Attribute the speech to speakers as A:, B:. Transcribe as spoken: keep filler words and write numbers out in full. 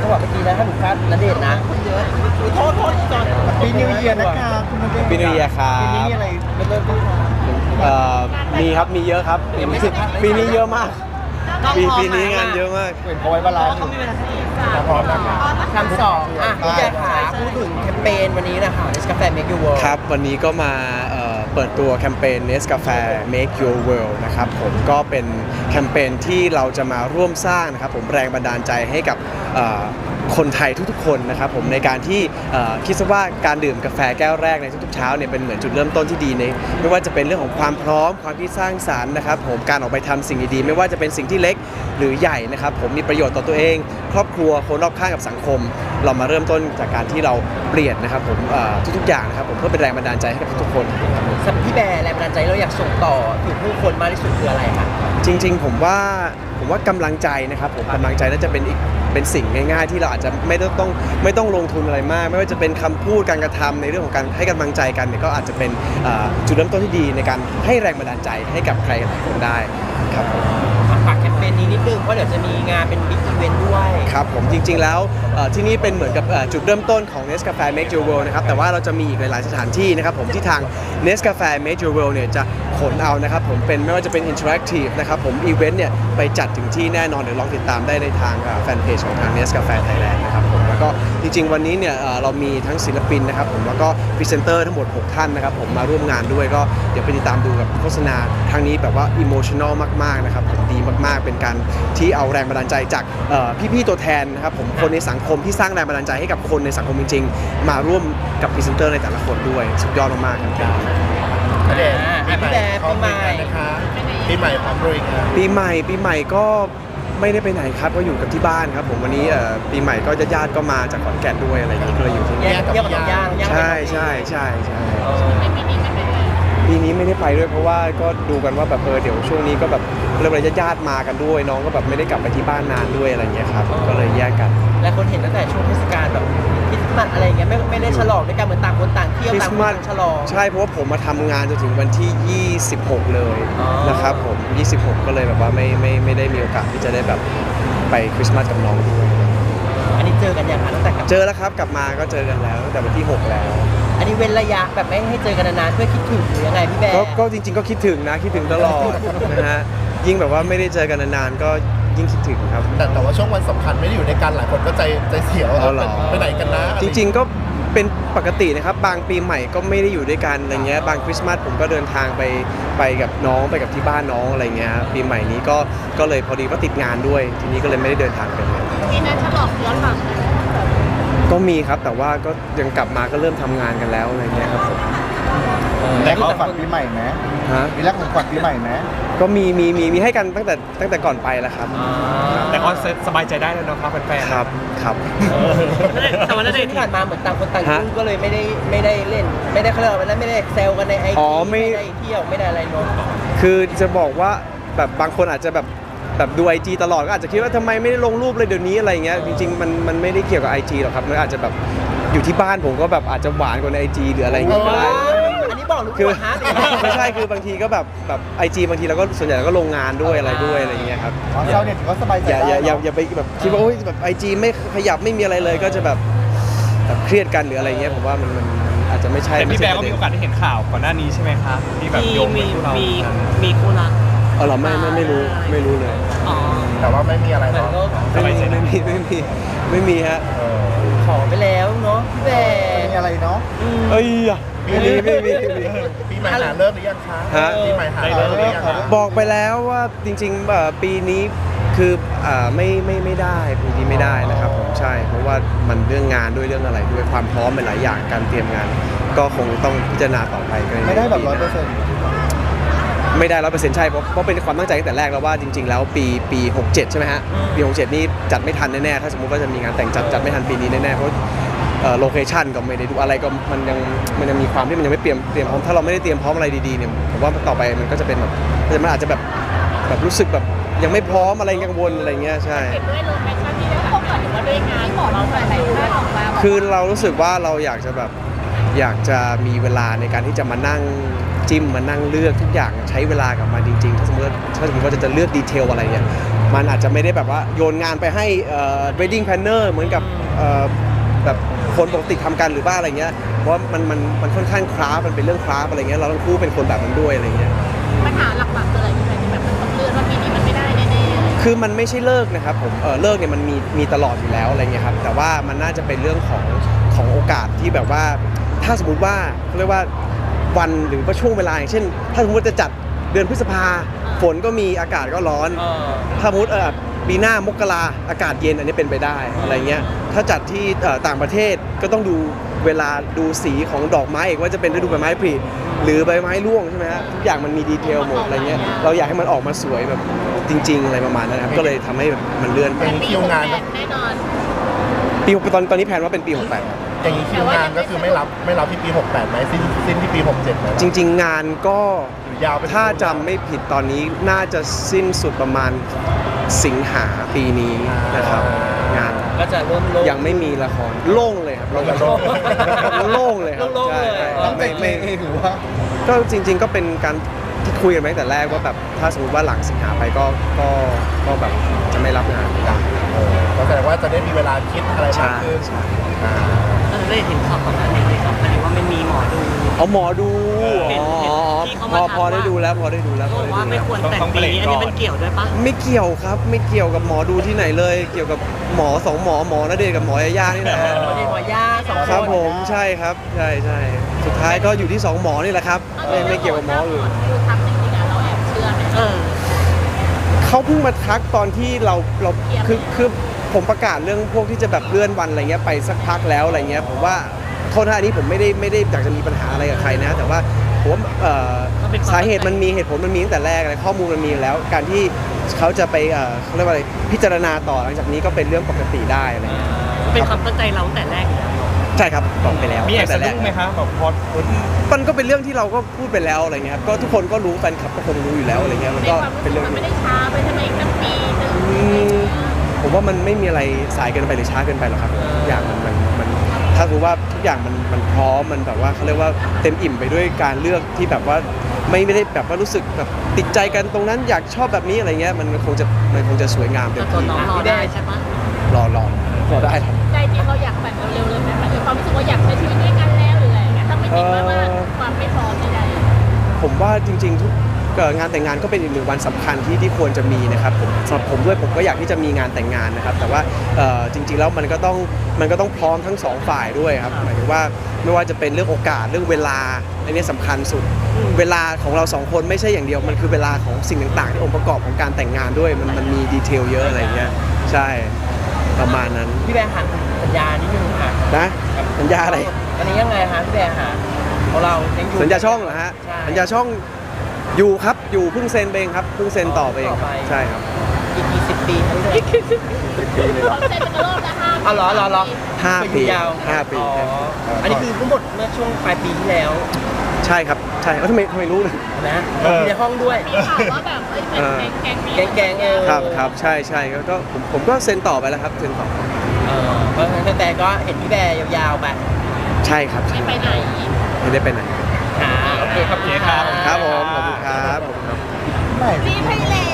A: จังหวะเมื่อกี้นะถ้าหนูพลาดณเดชน์นะโทษโทษจอนปีนิวเยียร์นะคะคุณณเดชน์
B: ปีนิวเยียร์ครับ
A: ปีนี้มีอะไรเริ่มต้น
B: เอ่อมีครับมีเยอะครับปีนี้ปีนี้เยอะมากปีปีนี้งานเยอะมาก
A: เป็นเขาไว้บาลานซ์พร้อมนะครับคำสองอ่ะพี่แจ๊คขาพูดถึงแคมเปญวันนี้นะคะ Nescafe Make Your World
B: ครับวันนี้ก็มาเอ่อเปิดตัวแคมเปญ Nescafe Make Your World นะครับผมก็เป็นแคมเปญที่เราจะมาร่วมสร้างนะครับผมแรงบันดาลใจให้กับเอ่อคนไทยทุกๆคนนะครับผมในการที่เอ่อคิดซะว่าการดื่มกาแฟแก้วแรกในทุกๆเช้าเนี่ยเป็นเหมือนจุดเริ่มต้นที่ดีในไม่ว่าจะเป็นเรื่องของความพร้อมความคิดสร้างสรรค์นะครับผมการออกไปทำสิ่งดีๆไม่ว่าจะเป็นสิ่งที่เล็กหรือใหญ่นะครับผมมีประโยชน์ต่อตัวเอง ครอบครัวคนรอบข้างกับสังคม เรามาเริ่มต้นจากการที่เราเปลี่ยนนะครับผมเอ่อทุกๆอย่างนะครับผมเพื่อเป็นแรงบันดาลใจให้กับทุกๆคน
A: สำหรับพี่แบร์แรงบันดาลใจเราอยากส่งต่อถึงผู้คนมากที่สุดคืออะไรคะ
B: จริงๆผมว่าผมว่ากำลังใจนะครับผมกำลังใจน่าจะเป็นอีกเป็นสิ่งง่ายๆ ที่เราอาจจะไม่ต้องต้องไม่ต้องลงทุนอะไรมาก ไม่ว่าจะเป็นคำพูดการกระทำในเรื่องของการให้กำลังใจกันเนี่ยก็อาจจะเป็นเอ่อจุดเริ่มต้นที่ดีในการให้แรงบันดาลใจให้กับใครหลายคนได้ครับผม
A: ฝากแคมเปญนี้นิดนึงเพราะเดี๋ยวจะมีงานเป็นบิ๊กอีเวนต์ด้วย
B: ครับผมจริงๆแล้วเอ่อที่นี่เป็นเหมือนกับเอ่อจุดเริ่มต้นของ Nescafe Make Your World นะครับแต่ว่าเราจะมีอีกหลายๆสถานที่นะครับผมที่ทาง Nescafe Make Your World เนี่ยจะขนเอานะครับผมเป็นไม่ว่าจะเป็น Interactive นะครับผมอีเวนต์เนี่ยไปจัดถึงที่แน่นอนเดี๋ยวลองติดตามได้ในทางแฟนเพจของทาง Nescafe Thailand นะครับผมแล้วก็จริงๆวันนี้เนี่ยเอ่อเรามีทั้งศิลปินนะครับผมแล้วก็พรีเซนเตอร์ทั้งหมดหกท่านนะครับผมมาร่วมงานด้วยก็เดี๋ยวไปติดตามดูกับโฆษณาทางนี้แบบว่าอิโมชัน a ลมากๆนะครับผมดีมากๆเป็นการที่เอาแรงบันดาลใจจากเอ่อพี่ๆตัวแทนนะครับผมคนในสังคมที่สร้างแรงบันดาลใจให้กับคนในสังคมจริงๆมาร่วมกับพรีเซนเตอร์ในแต่ละคนด้วยสุดยอดมากๆครับ
C: ณเดชน์
A: อ่า
C: ปีใหม่
A: พี่แบร์
C: พร้อม
A: ปีใหม่
C: ลุยงานนะคะปีใหม่พร้อมลุยงาน
B: ปีใหม่ปีใหม่ก็ไม่ได้ไปไหนครับก็อยู่กับที่บ้านครับผมวันนี้เอ่อปีใหม่ก็ญาติๆก็มาจากขอนแก่นด้วยอะไรอย่างนี้ก็เลยอยู่ที่
A: แย
B: นี่
A: กเที่ยวกับน้องย่างย่าง
B: ใช่ใช่ใช่ใช่
A: เออ
B: ปีนี้ไม่ได้ไปด้วยเพราะว่าก็ดูกันว่าแบบเออเดี๋ยวช่วงนี้ก็แบบเริ่มอะไรญาติๆมากันด้วยน้องก็แบบไม่ได้กลับไปที่บ้านนานด้วยอะไรอย่างเงี้ยครับก็เลยแยกกัน
A: และคนเห็นตั้งแต่ช่วงเทศกาลแบบคริสต์มาสอะไรอย่างเงี้ยไม่ไม่ได้ฉลองด้วยกันเหมือนต่างคนต่างเที่ยว
B: คริ
A: ต่า
B: ส
A: ง
B: ต์
A: คน
B: มาส
A: ต่างฉลอง
B: ใช่เพราะว่าผมมาทำงานจนถึงวันที่ยี่สิบหกเลย
A: อ๋อ
B: นะครับผมยี่สิบหกก็เลยแบบว่าไม่ไม่ไม่ได้มีโอกาสที่จะได้แบบไปคริสต์มาสกับน้องด้วย
A: อันนี้เจอกันยังคะตั้งแต่กลับ
B: เจอแล้วครับกลับมาก็เจอกันแล้วตั้งแต่วันที่หกแล้ว
A: อันนี้เว้นระยะแบบไม่ให้เจอกันนานๆเพื่อคิดถึงหรือยังไงพี่แบร์
B: ก็ก็จริงๆก็คิดถึงนะคิดถึงตลอดนะฮะยิ่งแบบว่าไม่ได้เจอกันนานๆก็ยิ่งคิดถึงครับ
C: แต่แต่ว่าช่วงวันสำคัญไม่ได้อยู่ในกันหลายคนก็ใจใจเสียว
B: เอาเหรอ
C: ไปไหนกันนะ
B: จริงๆก็เป็นปกตินะครับบางปีใหม่ก็ไม่ได้อยู่ด้วยกันอะไรเงี้ยบางคริสต์มาสผมก็เดินทางไปไปกับน้องไปกับที่บ้านน้องอะไรเงี้ยปีใหม่นี้ก็ก็เลยพอดีว่าติดงานด้วย ทีนี้ก็เลยไม่ได้เดินทางไปเลย
D: มีนัดฉลองย้อนหลังไหม
B: ก็มีครับแต่ว่าก็ยังกลับมาก็เริ่มทำงานกันแล้วอะไรเงี้ยครับผม
E: แต่ของขวัญปีใหม่ไหม
B: ฮะ
E: มีแรกของขวัญปีใหม่ไหม
B: ก็มีมีมีมีให้กันตั้งแต่ตั้งแต่ก่อนไปแล้วครับ
F: แต่ก็สบายใจได้แล้วเนาะครับแฟนๆ
B: ครับครับ
A: แต่วันนั้นที่ผ่านมาเหมือนต่างคนต่าง
B: ฮะ
A: ยุ่งก็เลยไม่ได้ไม่ได้เล่น ไม่ได้เขาเรียกว่าอะไรนะไม่ได้แซวกันในไอ
B: อ๋
A: จี
B: อไม่
A: ไม่ได้เที่ยวไม่ได้อะไรเนอะ
B: คือจะบอกว่าแบบบางคนอาจจะแบบแบบดู ไอ จี ตลอดก็อาจจะคิดว่าทำไมไม่ได้ลงรูปเลยเดี๋ยวนี้อะไรเงี้ยจริงๆมันมันไม่ได้เกี่ยวกับ ไอ จี หรอกครับมันอาจจะแบบอยู่ที่บ้านผมก็แบบอาจจะหวานกว่าใน ไอ จี หรืออะไรอย่างเงี้ยก็ได้
A: อันนี้บอกหรือ
B: คือ
A: ว่าฮะ
B: ไม่ใช่คือบางทีก็แบบแบบไอจีบางทีเราก็ส่วนใหญ่เราก็ลงงานด้วยอะไรด้วยอะไรอย่างเงี้ยครับ
E: อ๋อเช้าเนี่ยถือว่าสบายใจ
B: อย่า
E: ได้
B: อย่าอย่า
E: เนอะ
B: อย่าไปแบบคิดว่าโอ๊ยแบบไอจีไม่ขยับไม่มีอะไรเลยก็จะแบบแบบเครียดกันหรืออะไรเงี้ยผมว่ามันมันมันอาจจะไม่ใช่
F: แต่พี่แบ
B: ไใช่
F: ร์ก็มีโอกาสได้เห็นข่าวก่อนหน้านี้ใช่ไหมครับที่แบบ
D: มี
F: โยง
D: มี
F: คู่เรา
D: มีมีคู่รัก
B: เออเหรอไม่ไม่ไม่รู้ไม่รู้เลย
D: อ๋อ
C: แต่ว่าไม่มีอะไร
A: เหมือน
C: เนาะ
A: ก็
B: ไม่มีไม่มีไม่มีไม่มีฮะ
C: เออ
A: ขอไปแล้วเนาะพี่แบร์
E: มีอะไรเนาะ
A: อืม
B: เอ้ยอะไม่มีไม่มีไม่มี
C: ปีใหม่หาเริ่มหรือยังคะ
B: ฮะ
C: ปีใหม่หาเริ่มหรือยังคะ
B: บอกไปแล้วว่าจริงๆเอ่อปีนี้คืออ่าไม่ไม่ไม่ได้ปีนี้ไม่ได้นะครับผมใช่ เพราะว่ามันเรื่องงานด้วยเรื่องอะไรด้วยความพร้อมเป็นหลายอย่างการเตรียมงาน ก็คงต้องพิจารณาต่อไปก็
E: ไม่ได้แบบร้อยเปอร์เซ็นต์
B: ไม่ได้ร้อยเปอร์เซ็นต์ใช่เพราะเพราะเป็นความตั้งใจตั้งแต่แรกแล้วว่าจริง ๆ แล้วปีปีหกเจ็ดใช่ไหมฮะปีหกเจ็ดนี่จัดไม่ทันแน่ๆถ้าสมมติว่าจะมีงานแต่งจัดจัดไม่ทันปีนี้แน่ๆเพราะโลเคชั่นก็ไม่ได้ดูอะไรก็มันยังมันยังมีความที่มันยังไม่เตรียมเตรียมพร้อมถ้าเราไม่ได้เตรียมพร้อมอะไรดีๆเนี่ยผมว่าต่อไปมันก็จะเป็นแบบมันอาจจะแบบแบบรู้สึกแบบยังไม่พร้อมอะไรกังวลอะไรเงี้ยใช่
D: เห็นด้วยโลเคชั่นที่ได้พบกันหรือว่าด้วยงานของเราหลายๆท่านออกมา
B: คือเรารู้สึกว่าเราอยากจะแบบอยากจะมีเวลาในการที่จะมานั่งจิ้มมานั่งเลือกทุกอย่างใช้เวลากับมันจริงๆถ้าสมมติว่าถ้าสมมติว่าจะจะเลือกดีเทลอะไรเนี่ยมันอาจจะไม่ได้แบบว่าโยนงานไปให้เอ่อ wedding planner เหมือนกับเอ่อแบบคนปกติทำกันหรือว่าอะไรเงี้ยเพราะว่ามันมันมันค่อนข้างคราฟมันเป็นเรื่องคราฟอะไรเงี้ยเราทั้งคู่เป็นคนแบบนั้นด้วยอะไรเงี้ย
D: ปัญหาหลักๆคืออะไรที่แบบมันต้องเลื่อนว่าปีนี้มันไม่ได้แน่ๆ
B: คือมันไม่ใช่เลิกนะครับผมเออเลิกเนี่ยมันมีมีตลอดอยู่แล้วอะไรเงี้ยครับแต่ว่ามันน่าจะเป็นเรื่องของของโอกาสที่แบบว่าถ้าสมมติว่าเขาเรียกว่าวันหรือว่าช่วงเวลาอย่างเช่น ถ้าสมมติจะจัดเดือนพฤษภาฝนก็มีอากาศก็ร้อน
A: เออ
B: ถ้าสมมติเออปีหน้ามกราอากาศเย็นอันนี้เป็นไปได้อะไรเงี้ยถ้าจัดที่เอ่อต่างประเทศก็ต้องดูเวลาดูสีของดอกไม้อีกว่าจะเป็นฤดูใบไม้ผลิหรือใบไม้ร่วงใช่ไหมฮะทุกอย่างมันมีดีเทลหมดอะไรเงี้ยเราอยากให้มันออกมาสวยแบบจริง ๆอะไรประมาณนั้นนะครับก็เลยทำให้แบบมันเลื่อนไป
C: อย่างนี้คิวงานก็
D: แน่นอน
B: ปีหกตอนตอนนี้แผนว่าเป็นปีหกแปด
C: อย่างนี้คิวงานก็คือไม่รับไม่รับที่ปีหกแปดไหมสิ้นสิ้นที่ปีหกเจ็ดไหม
B: จริง ๆ งานก็
C: หรือยาวไป
B: ถ้าจำไม่ผิดตอนนี้น่าจะสิ้นสุดประมาณสิงหาปีนี้นะครับงาน
A: ก็จะเริ่มโล่ง
B: ยังไม่มีละครโล่งเลยครับ
C: เราจะโลก
B: โล่งเลยครับ
A: โล่งๆ
B: ใช่
A: เลย
B: ใช่
E: ตั้งใจ
B: ไม่
E: เอ
B: ไม่
E: งหรือว่า
B: ก็จริง ๆ ก็เป็นการที่คุยกันมาตั้งแต่แรกว่าแบบถ้าสมมติว่าหลังสิงหาไปก็ก็ก็แบบจะไม่รับงานไม่ได้
C: เออก็แสดงว่าจะได้มีเวลาคิดอะไรมาก
B: ใช่
C: ขึ้น
B: ใช่
C: อ่า
G: เออได้เห็นข่าวก่อนหน้านี้เลยครับหมายถึงว่ามันมีหมอดู
B: เอาหมอดู
G: เห็น
B: อ๋อ
G: เห็น
B: อ๋อ
G: ที่เขา
B: พ
G: มา
B: อ
G: ทัก
B: พอได้
G: ว่า
B: ดูแล้วพอได้ดูแล้วพ
G: เขา
B: อบ ได้
G: อก
B: ดู
G: ว่าไม่
B: แล้ว
G: ควรแต่งปีนี้อันนี้มันเกี่ยวด้วยปะ
B: ไม่เกี่ยวครับไม่เกี่ยวกับหมอดูที่ไหนเลย เกี่ยวกับหมอสองหมอหมอณเดชน์กับหมอยาย่านี่แหละ
A: หมอเดชหมอย่าสองคน
B: ครับผมใช่ครับใช่ใช่สุดท้ายก็อยู่ที่สองหมอนี่แหละครับไม่ไม่เกี่ยวกับหมออื่น
D: คือทำจริงๆอะเราแอบเชื่อไหม
G: เออ
B: เขาเพิ่งมาทักตอนที่เราเราคือคือผมประกาศเรื่องพวกที่จะแบบเลื่อนวันอะไรเงี้ยไปสักพักแล้วอะไรเงี้ยผมว่าโทษนะอันนี้ผมไม่ได้ไม่ได้อยากจะมีปัญหาอะไรกับใครนะแต่ว่าผมว่าเอ่อ
G: มันเป็นความ
B: สาเหตุมันมีเหตุผลมันมีตั้งแต่แรกอะไรข้อมูลมันมีอยู่แล้ว การที่เขาจะไปเอ่อเขาเรียกว่าอะไรพิจารณาต่อหลังจากนี้ก็เป็นเรื่องปกติได้อะไรเงี้ย
G: เป็นความตั้งใจเราตั้งแต่แรกอยู่แล้ว
B: ใช่ครับบอกไปแล้ว
F: มีแอบ
B: ตั้
F: สะ
B: งแต่แร
F: ดุ้
B: ก
F: งไหมครับแบบพอ
B: มันก็เป็นเรื่องที่เราก็พูดไปแล้วอะไรเงี้ยครับก็ทุกคนก็รู้แฟนคลับก็คงรู้อยู่แล้วอะไรเงี้ยมัน
D: ใน
B: ก็
D: ความรู้
B: เป็น
D: สึก
B: เรื่อง
D: มัน
B: ที่
D: ไม่ได้ช้าไปทำไมตั้งปีหนึง
B: อืมผมว่ามันไม่มีอะไรสายเกินไปหรือช้าเกินไปหรอกครับทุกอย่างมันมันมันถ้ารู้ว่าทุกอย่างมันมันพร้อมมันแบบว่าเขาเรียกว่าเต็มอิ่มไปด้วยการเลือกที่แบบว่าไม่ไม่ได้แบบว่ารู้สึกแบบติดใจกันตรงนั้นอยากชอบแบบนี้อะไรเงี้ยมันมันคงจะมันคงจะสวยงามเต็
G: แต่
B: ม
G: ตัว
B: ที่
G: น้องรอได้ใช่ปะ
B: รอรอรอได้ครับ
D: ใจจริงเราอยากแต่งเร็วๆเลยไหมมันมีความรู้สึกว่าอยากใช้ชีวิตด้วยกันแล้วหรืออะไรอย่างเงี้ยถ้าไม่คิดว่าว่าความไม่พร้อมใดๆ
B: ผมว่าจริงๆทุกเอ่องานแต่งงานก็เป็นอีกหนึ่งวันสำคัญที่ที่ควรจะมีนะครับผมสำหรับผมด้วยผมก็อยากที่จะมีงานแต่งงานนะครับ แต่ว่าเอ่อจริงๆแล้วมันก็ต้องมันก็ต้องพร้อมทั้งสองฝ่ายด้วยครับหมายถึงว่าไม่ว่าจะเป็นเรื่องโอกาสเรื่องเวลาอันนี้สำคัญสุด เวลาของเราสองคนไม่ใช่อย่างเดียวมันคือเวลาของสิ่งต่างๆ ที่องค์ประกอบของการแต่งงานด้วยมันมันมีดีเทลเยอะอะไรเงี้ยใช่ประมาณนั้น
A: พี่แบร์หันสัญญานิดนึงค่ะ
B: นะสัญญาอะไร
A: อันนี้ยังไงฮะพี่แบร์หาของเรายังอยู่
B: สัญญาช่องเหรอฮะ
A: ใช่
B: สัญญาช่องอยู่ครับอยู่เพิ่งเซ็นไปเองครับเพิ่งเซ็นต่อไปเอง
A: ต่อไป
B: ใช่ครับ
A: อีกกี่สิบปีทั้งเดือน
D: เขาเซ็นเป็นกระโลกละห้า
A: อ๋อเหรอเหรอเหรอ
B: ห้าปี
A: ยาว
B: ห้าปี
A: อ๋ออันนี้คือทั้งหมดเมื่อช่วงปลายปีที่แล้ว
B: ใช่ครับใช่แล้วทำไมทำไมรู้เลย
A: นะมีในห้องด้วย
D: มีข่าวว่าแบบเอ้ยเป็นแก๊งๆนี้
A: แก๊งๆเออ
B: ครับครับใช่ใช่ก็ก็ผมผมก็เซ็นต่อไปแล้วครับเซ็นต่อ
A: เออเพราะฉะนั้นแต่ก็เห็นพี่แบร์ยาวๆไป
B: ใช่ครับใช่
D: ไม่ไปไหน
B: ไม่ได้ไปไหน
A: ค่ะโอเคขอบคุณค่ะ
B: ครับผมขอบคุณครับขอบคุณครับ
E: ไม่
D: รีบให้แล้